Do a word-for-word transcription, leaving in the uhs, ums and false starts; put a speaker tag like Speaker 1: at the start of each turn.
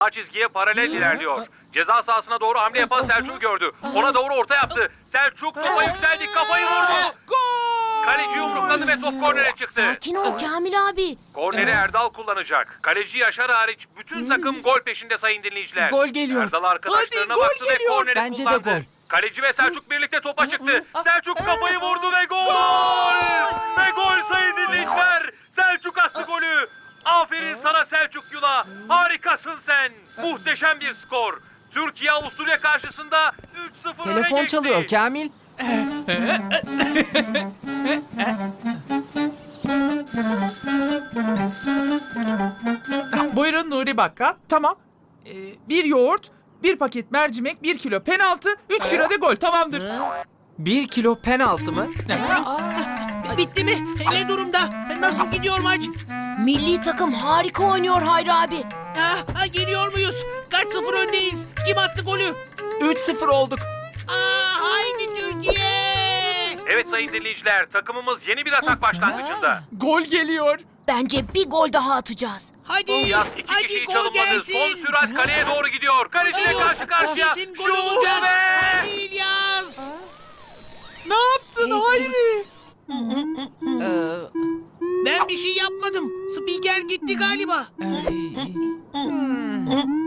Speaker 1: Sağ çizgiye paralel ilerliyor. Ceza sahasına doğru hamle yapan Selçuk'u gördü. Ona doğru orta yaptı. Selçuk topa yükseldi, kafayı vurdu. Kaleci yumrukladı ve top kornere çıktı.
Speaker 2: Sakin ol Kamil abi.
Speaker 1: Korneri Erdal kullanacak. Kaleci Yaşar hariç bütün takım gol peşinde sayın dinleyiciler.
Speaker 3: Gol geliyor.
Speaker 1: Erdal arkadaşlarına
Speaker 3: Hadi, gol
Speaker 1: baktı ve
Speaker 3: geliyor.
Speaker 1: korneri
Speaker 3: Bence de
Speaker 1: kullandı.
Speaker 3: gol.
Speaker 1: Kaleci ve Selçuk birlikte topa çıktı. Selçuk kafayı vurdu ve gol! Ve gol sayın dinleyiciler. Selçuk attı golü. Aferin sana Selçuk Yula. Harikasın sen. Muhteşem bir skor. Türkiye Avusturya karşısında üç sıfır öne
Speaker 3: Telefon
Speaker 1: geçti.
Speaker 3: çalıyor Kamil.
Speaker 4: Buyurun Nuri Bakka. Tamam. Ee, bir yoğurt, bir paket mercimek, bir kilo penaltı, üç kilo de gol. Tamamdır.
Speaker 3: Bir kilo penaltı mı?
Speaker 5: Bitti mi? Ne durumda? Nasıl gidiyor maç?
Speaker 2: Milli takım harika oynuyor Hayri abi.
Speaker 5: Ah, ah, geliyor muyuz? Kaç sıfır öndeyiz? Kim attı golü?
Speaker 3: üç sıfır olduk.
Speaker 5: Aa, haydi Türkiye!
Speaker 1: Evet sayın dinleyiciler, takımımız yeni bir atak başlangıcında.
Speaker 4: Gol geliyor.
Speaker 2: Bence bir gol daha atacağız.
Speaker 5: Hadi,
Speaker 1: Yaz iki
Speaker 5: hadi
Speaker 1: kişiyi
Speaker 5: gol
Speaker 1: çalınmadı.
Speaker 5: gelsin.
Speaker 1: Son sürat kaleye doğru gidiyor. Kaleciyle
Speaker 5: Geliyor.
Speaker 1: karşı karşıya.
Speaker 5: Kesin gol
Speaker 1: Şut
Speaker 5: olacak.
Speaker 1: ve...
Speaker 5: Hadi İlyas!
Speaker 4: Ne yaptın Hayri?
Speaker 5: Ben bir şey yapmadım. Spiker gitti galiba.